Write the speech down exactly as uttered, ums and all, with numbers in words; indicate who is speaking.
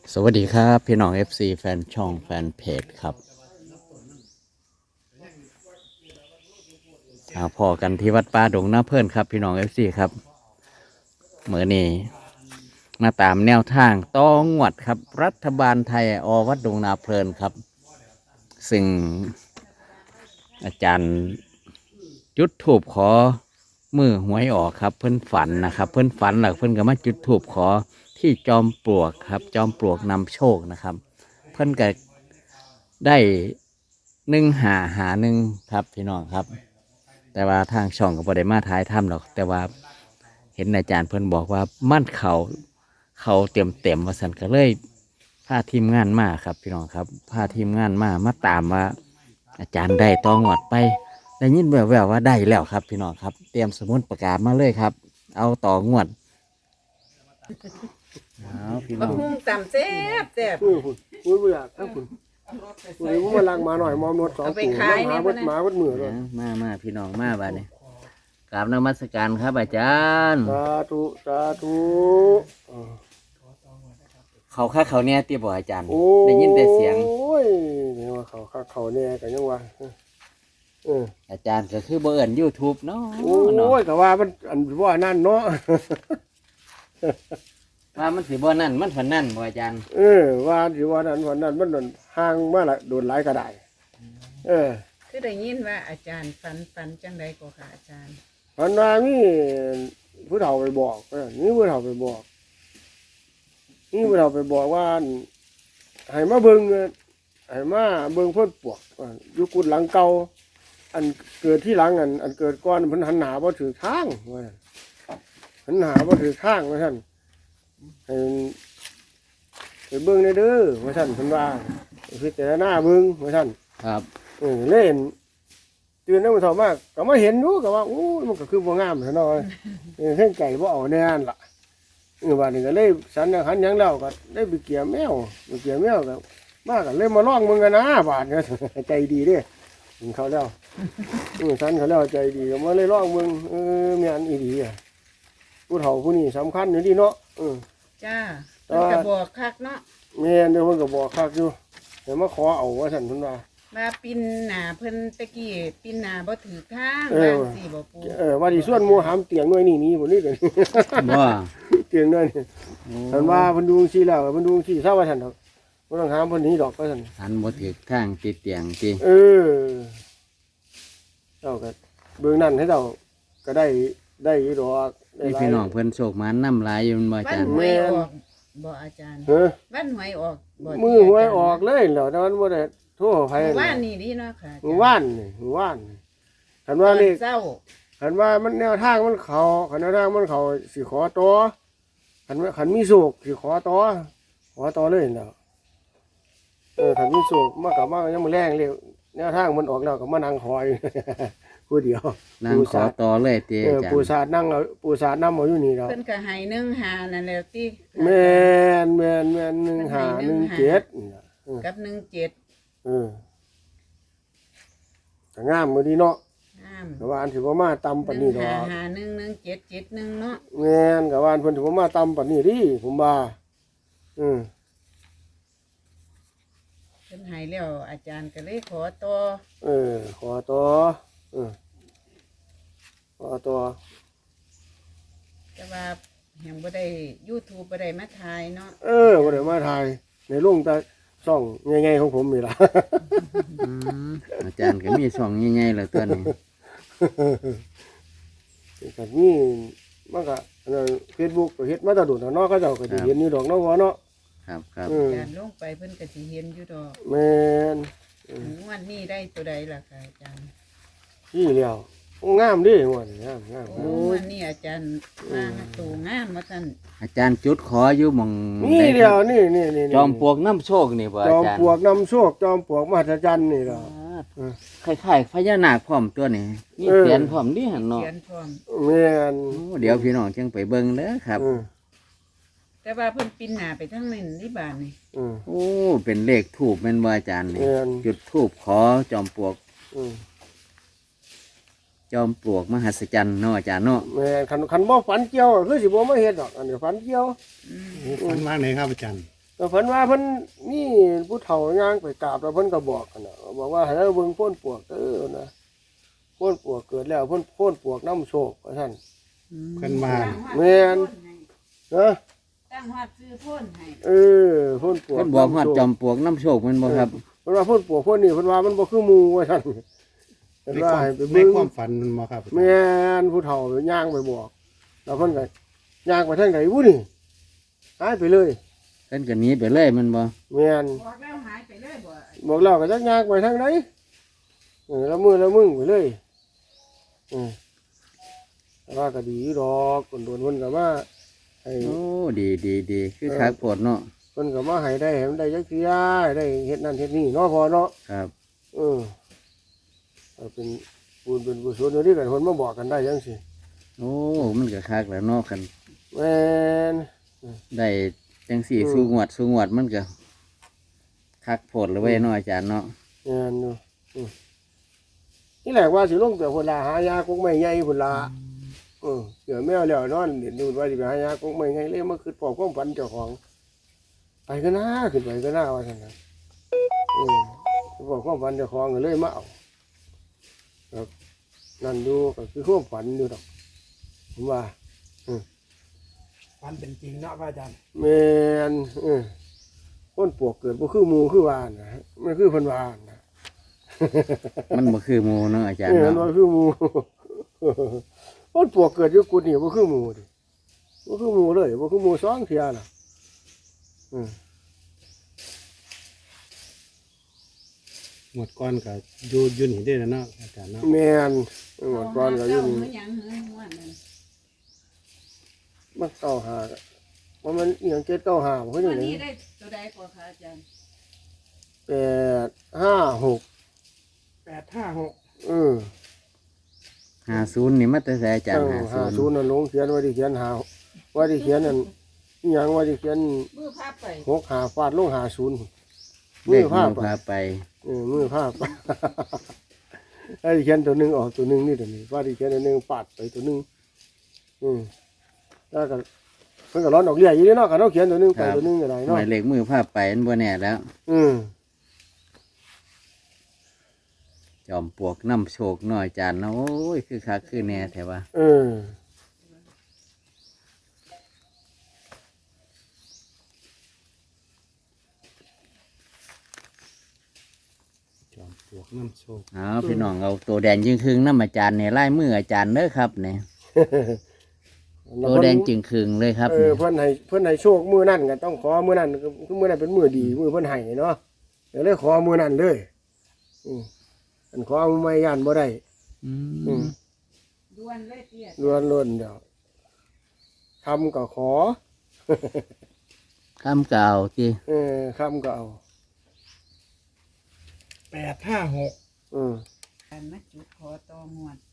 Speaker 1: สวัสดีครับพี่น้อง เอฟ ซี แฟนช่องแฟนเพจครับอาพอกันที่วัดป่าดงนาเพิ่นครับพี่น้อง เอฟ ซี ครับเมื่อนี้มาตามแนวทางต้องวดครับรัฐบาลไทยอวัดดงนาเพลินครับซึ่งอาจารย์จุดถูบขอมือหวยออกครับเพิ่นฝันนะครับเพิ่นฝันหลักเพิ่นก็มาจุดถูบขอที่จอมปลวกครับจอมปลวกนำโชคนะครับเพิ่นก็ได้หนึ่งหาหาหนึ่งครับพี่น้องครับแต่ว่าทางช่องก็บ่ได้มาท้ายถ้ำหรอกแต่ว่าเห็นอาจารย์เพิ่นบอกว่ามั่นเขาเขาเต็มเต็มว่าสันก็เลยพาทีมงานมาครับพี่น้องครับพาทีมงานมามาตามว่าอาจารย์ได้ต้องหวดไปได้ยินแววๆว่าได้แล้วครับพี่น้องครับเตรียมสมุดประกาศมาเลยครับ เอาต่องวดเอาพี่น้
Speaker 2: บั
Speaker 1: อก ง
Speaker 2: ฮุ่งต่ำแซ่บแซ่บ
Speaker 3: คุณคุณคุณบ่อยากทั้งคุณคุณนี่ผมมาลังมาหน่อยมอมนวดสอง
Speaker 2: เอาไป
Speaker 3: ตัว
Speaker 2: ขาย
Speaker 3: ห
Speaker 2: เนี่
Speaker 3: มาย วัด
Speaker 2: พุ่นน่ะ
Speaker 3: หมาวัดมือเลย
Speaker 1: นะมามาพี่น้องมาบ้านนี้กราบนมัสการครับอาจารย์
Speaker 3: สาธุสาธุอ่า
Speaker 1: เขาค่าเขาเนี่ยตีบอกอาจารย์
Speaker 3: โอ้
Speaker 1: ได้ยินแต่เสียง
Speaker 3: โอ้ยนี่ว่าเขาเขาเขาเนี่ยกันยังว่าเออ
Speaker 1: อาจารย์ก็คือเบอร์ยูทูบเนาะ
Speaker 3: โอ้
Speaker 1: เนาะ
Speaker 3: ยแต่ว่ามันอันว่านั่นเนาะ
Speaker 1: ว่ามันสิบ่นั่นมันฝันนั่นบ่อาจารย์
Speaker 3: เออว่าสิว่านั่นวันนั้นมันโดนห่างมาละโดนหลายกระไดเออ
Speaker 2: คือได้ยินว่าอาจารย์ฝันฝันจังใดก็ค่ะอาจารย์
Speaker 3: วันนั้นมีผู้เฒ่าไปบอกเออนี่ผู้เฒ่าไปบอกนี่ผู้เฒ่าไปบอกว่าให้มาเบิ่งเงินให้มาเบิ่งเพิ่นปวกว่าอยู่กุดหลังเก่าอันเกิดที่หลังอันอันเกิดก่อนเพิ่นหันหน้าบ่ถือทางว่าซั่นหันหน้าบ่ถือทางว่าซั่นให้ไปเบิ่งได้เด้อว่าซั่นเพิ่นว่าพิจารณาเบิ่งว่าซั่น
Speaker 1: ครับ
Speaker 3: เออเล่นตื่นแล้วมันเฒ่ามากก็มาเห็นอยู่ก็ว่าโอ้ยมันก็คือบ่งามซะหน่อยเออเส้นไก่บ่เอาแน่นล่ะเออบัดนี้ก็เลยสันอย่างหันหยังแล้วก็ได้ไปเกี่ยแมวไปเกี่ยแมวก็มาก็เลยมาลองมึงกันนะบาดเนี่ย ใจดีเด้ถึงเขาแล้วเออสันเขาแล้วใจดีก็มาเลยลองมึงเออแม่นอีดีอ่ะผู้เฒ่าผู้นี้สำคัญอยู่ดีเนาะเออ
Speaker 2: จ้าเพิ่นก็บอกคักเนาะ
Speaker 3: แม่นเดี๋ยวเพิ่นก็บอกคักอยู่เดี๋ยวมาขอเอาว่าซั่นเพิ่นว่า
Speaker 2: ว่าปินหน้าเพิ่นตะกี้ปินหน้าบ่ถือทาง
Speaker 3: เออ
Speaker 2: บางสิบ่ปู
Speaker 3: เออว่าดิส่วนหมู่หามเตียงหน่วยนี่นี่บ่นี่กัน
Speaker 1: บ่
Speaker 3: เตียงหน่วยนี่เพิ่นว่าเพิ่นดูจังซี่แล้วเพิ่นดูจังซี่ซะว่าซั่นดอกบ่ต้องหามเพิ่นหนี้ดอกว่าซั่น
Speaker 1: หันบ่ถือทางติดเตียงติ
Speaker 3: เออเจ้าก็เบื้องนั้นให้เจ้าก็ได้ได้อยู่ดอกได้
Speaker 1: นี่
Speaker 3: หลาย
Speaker 1: พี่น้องเพิ่นโชคมานำหลายอยู่บ่อา
Speaker 2: วัน
Speaker 1: จารย์
Speaker 2: หวยออกบ่อาจารย์
Speaker 3: เฮ้อ
Speaker 2: วันหวยออกบ่
Speaker 3: มือหวยออกเลยแล้วแต่มันบ่ได้โทรไผ
Speaker 2: เมื่อวานนี่ดีเนาะค่ะ
Speaker 3: มือว่านนี่มือว่านนี่คันว่าเลข
Speaker 2: เศร้า
Speaker 3: คันว่ามันแนวทางมันเข้าคันแนวทางมันเข้าสิขอต่อคันว่าคันมีโศกสิขอต่อขอต่อเลยแล้วเออคันมีโศกมากกับมากยังมื้อแรงเลยแนวทางมันออกแล้วก็มานั่งคอย ผู้เดียว
Speaker 1: นั่งขอต่อเลยติ
Speaker 3: เอ
Speaker 1: อา
Speaker 3: อ
Speaker 1: จาร
Speaker 3: ปู
Speaker 1: ย์
Speaker 3: สาดนั่งเราปูสาดน้ำเอาอยู่นี่เรา
Speaker 2: เพิ่นก็ให้หนึ่งหานั่นแหละติ
Speaker 3: แมนแมนแมนหนึ่งหาหนึ่งเจ็ดนี่ล่ะเออ
Speaker 2: กับหนึ่งเจ็ด
Speaker 3: เออแต่งามมือดีเนาะ
Speaker 2: ห้าม
Speaker 3: แต่ว่าอันถือว่ามาตำปาน
Speaker 2: หนึ่
Speaker 3: นี้
Speaker 2: ง
Speaker 3: ดอ
Speaker 2: หาก หาหนึ่งหนึ่งเจ็ดเจ็ดหนึ่งเนาะ
Speaker 3: แมนกับว่าอันเพิ่นถือว่ามาตำปานนี้ดิผมว่าอืม
Speaker 2: เพิ่นให้แล้วอาจารย์ก็เลยขอต่อ
Speaker 3: เออ ขอต่อเออขอต่อ
Speaker 2: แต่ว่าแห่งบ่ได้ YouTube บ่ได้มาถ่ายเนาะ
Speaker 3: เออบ่ได้มาถ่ายในลุงแต่ซ่องใหญ่ๆของผมนี่ล่ะ
Speaker 1: อืมอาจารย์ก็มีช่องใหญ่ๆแล้วตัวนี้
Speaker 3: ก็นี่มันก็เฟซบุ๊กก็เฮ็ดมาแตะโดดแล้วเนาะเขาเจ้าก็สิเห็นอยู่ดอกเนาะว่าเนาะ
Speaker 1: ครับครับ
Speaker 3: อืม
Speaker 2: อาจารย์ลงไปเพิ่นก็สิเห็นอยู่ดอก
Speaker 3: แม่น
Speaker 2: งวดนี้ได้ตัวใดล่ะค่ะอาจารย์
Speaker 3: พี่แล้วงามดิงวดนี้งามงาม
Speaker 2: โอ้งวดนี้อาจารย์มาตูงามว่าซั่น
Speaker 1: อาจารย์จุดขออยู่หม่อง
Speaker 3: นี่
Speaker 1: ใด
Speaker 3: เดี
Speaker 1: ค
Speaker 3: ย
Speaker 1: รั
Speaker 3: ว
Speaker 1: บ
Speaker 3: นี่นี่นี่
Speaker 1: จอมปลวกน้ำโชคนี่บ่
Speaker 3: จ
Speaker 1: อา
Speaker 3: อม
Speaker 1: จารย์
Speaker 3: ปลวกนำโชคจอมปลวกมหัศจรรย์นี่ล่ะ
Speaker 1: คล้ายๆพญานาคพร้อมตัวนี้มี
Speaker 3: เออ
Speaker 1: เสียนพร้อมดิหั่นเนาะ
Speaker 2: เขียนพร้อม
Speaker 3: แม่น
Speaker 1: โอ้เดี๋ยวพี่น้องจังไปเบิ่งเด้อครับ
Speaker 3: อืม
Speaker 2: แต่ว่าเพิ่นปินหน้าไปทางนั้นที่บ้านนี่
Speaker 3: อืม
Speaker 1: โอ้เป็นเลขทูบแม่นบ่อาจารย์นี่
Speaker 3: แม่น
Speaker 1: จุดทูบขอจอมปลวก
Speaker 3: อืม
Speaker 1: จอมปลวกมหัศจรรย์เนาะอาจารย์เนาะ
Speaker 3: แม่นคันคันบ่ฝันเกี่ยวก็คือสิบ่มาเฮ็ดดอกอันนี้ฝันเกี่ยว
Speaker 2: อืม
Speaker 4: ฝันว่างไหนครับอาจารย์
Speaker 3: กแต่เพิ่นว่าเพิ่นนี่ผู้เฒ่าย่างไปกราบแล้วเพิ่นก็บอกกันน่ะบอกว่าให้เราเบิ่งโพ่นปวกเด้อนะโพ่นปวกเกิดแล้วเพิ่นโพ่นปวกน้ำโชคว่าซั่น
Speaker 4: เพิ่นว่า
Speaker 3: แม่น นะ
Speaker 2: ตั้งฮอดซื้อพ่นให้
Speaker 3: เออโพ่นปวก
Speaker 1: เพิ่นบอกฮอดจอมปลวกน้ำโชคแมันบ่ครับ
Speaker 3: เพิ่นว่าโพ่นปวกโพ่นนี่เพิ่นว่ามันบ่คือหมู่ว่าซั่นเพิ่น
Speaker 4: ใน
Speaker 3: ว่า
Speaker 4: ความ
Speaker 3: ให้ไป
Speaker 4: ใน
Speaker 3: เบิ่ง
Speaker 4: ความฝันมันบ่ครับ
Speaker 3: แม่นผู้เฒ่าย่างไปบอกแล้วเพิ่นก็ย่างไปทางไหนวุ้นี่หายไปเลย
Speaker 1: เพิ่นก็หนีไปเลยแมันบ่
Speaker 3: แม่น
Speaker 2: บอกแล้วหายไปเลยบ่
Speaker 3: บอกเราก็จักย่างไปทางไหนเออแล้วมือแล้วมึงไปเลยเออแต่ว่าก็ดีอยู่ดอกคนโดนเพิ่นก็มาให้
Speaker 1: โอ้ดีดีดีคือคักโพดเนาะ
Speaker 3: เพิ่นก็มาให้ได้ให้มันได้จักเที่ยได้เฮ็ดนั่นเฮ็ดนี่เนาะพอเนาะ
Speaker 1: ครับ
Speaker 3: เออเอาเป็นบุญเป็นกุศลอยู่นี่กันเพิ่นมาบอกกันได้จังซี่
Speaker 1: โอ้มันก็คักแล้วเนาะคัน
Speaker 3: แม่น
Speaker 1: ได้จังสี่
Speaker 3: อืม
Speaker 1: สู้งวดสู้งวดมันก็คักโพดเลยเว้ยเนาะอาจารย์เนาะ
Speaker 3: แม่นอยู่อือนี่แหละว่าสิลงแต่พุ่นล่ะหายากกไม่ใหญ่พุ่นล่ะเออเดี๋ยวแมวแล้วนอนเดี๋ยวดูว่าสิไปหายากกไม่ใหญ่เลยมาคือปอบความฝันเจ้าของ ไปก็น่าขึ้นไปก็น่าว่าซั่นน่ะเออปอบความฝันเจ้าของก็เลยมาเอาครับนั่นดูก็คือความฝันอยู่ดอกผมว่า
Speaker 4: ฝันเป็นจริงเนาะพระอาจารย์
Speaker 3: แม่นเออคนปวกเกิดบ่คือหมู่คือว่านะมันคือเพิ่นว่านะ
Speaker 1: มันบ่คือหมู่เนาะอาจารย์
Speaker 3: เออมัน
Speaker 1: เนาะ
Speaker 3: บ่คือหมู่ คนปวกเกิดอยู่กุดนี่บ่คือหมู่ดิบ่คือหมู่เลยบ่คือหมู่สองเที่ยน่ะอืม
Speaker 4: หมดก้อนก็อยู่อยู่นี่ได้แล้วเนาะอาจารย์เนาะ
Speaker 3: แม่นหมดก่อนก็อยู่
Speaker 2: เา
Speaker 3: นี่
Speaker 2: หยังเฮือนม่วนนั่น
Speaker 3: มันเก้าหาว่ามันอีหยังเจ็ดเก้าหาบ่คือ
Speaker 2: วั
Speaker 3: จั
Speaker 2: น
Speaker 3: งได๋
Speaker 2: นี้ได้ตัวใดกว่าคะอาจารย์
Speaker 3: แปดห้าหก
Speaker 4: แปดห้าหก
Speaker 3: เออ
Speaker 1: ห้าศูนย์นี่มาแต่ไสอาจารย์
Speaker 3: ห้า
Speaker 1: ห้า
Speaker 3: ศู
Speaker 1: ศู
Speaker 3: น
Speaker 1: น
Speaker 3: ย์
Speaker 1: ย์
Speaker 3: นั่นลงเขียนว่าที่เขียนหาว่าที่เขียนนั่นอีหยังว่าที่เขียน
Speaker 2: มือพาไป
Speaker 3: หกหาฟาดลงหาศูนย์
Speaker 1: เล
Speaker 3: มือ
Speaker 1: ข
Speaker 3: ภาพ
Speaker 1: มือพาไป
Speaker 3: เออมือภาพ ไอ้ที่เขียนตัวหนึงออกตัวหนึงนี่ตัวนี้ว่าที่เขียนตัวหนึงปาดไปตัวหนึงอืมแล้วก็เพิ่นก็ร้อนออกเรียอยู่นี่เนาะก็เนาะเขียนตัวหนึงไปตัวหนึงก็ได้
Speaker 1: ห
Speaker 3: เนาะ
Speaker 1: มายเลขมือพาไปมันบ่แน่แล้ว
Speaker 3: อืม
Speaker 1: จอมปลวกน้ำโชคเนาะอาจารย์เนาะโอ้ยคือคักคือแน่แท้ว่า
Speaker 3: เออ
Speaker 4: จอมปลวกน้ำโชค
Speaker 1: เอาพี่น้องเอาตัวแดงจึงครึงน้ำอาจารย์เนี่ยไล่มืออาจารย์เด้อครับเนี่ยตัวแดงจึงครึงเลยครับ
Speaker 3: เออ
Speaker 1: เนี่ย
Speaker 3: เพิ่นให้เพิ่นให้โชคมื้อนั้นก็ต้องขอมื้อนั้นคือมื้อนั้นเป็นมื้อดีมื้อเพิ่นให้เนาะเดี๋ยวเลยขอมื้อนั้นเลยอืมอันขอมื้อไม่ย่านบ่ได้
Speaker 1: อื
Speaker 3: อื
Speaker 1: ม
Speaker 3: ม
Speaker 2: ด่วนเลยเตี้ย
Speaker 3: ล้วนล้วนเดี๋ยวคำก็ขอ
Speaker 1: คำเก่าที่
Speaker 3: เออคำก็เอา
Speaker 4: แปดห้าหก
Speaker 3: อืม
Speaker 2: การมาจุดขอต่องวด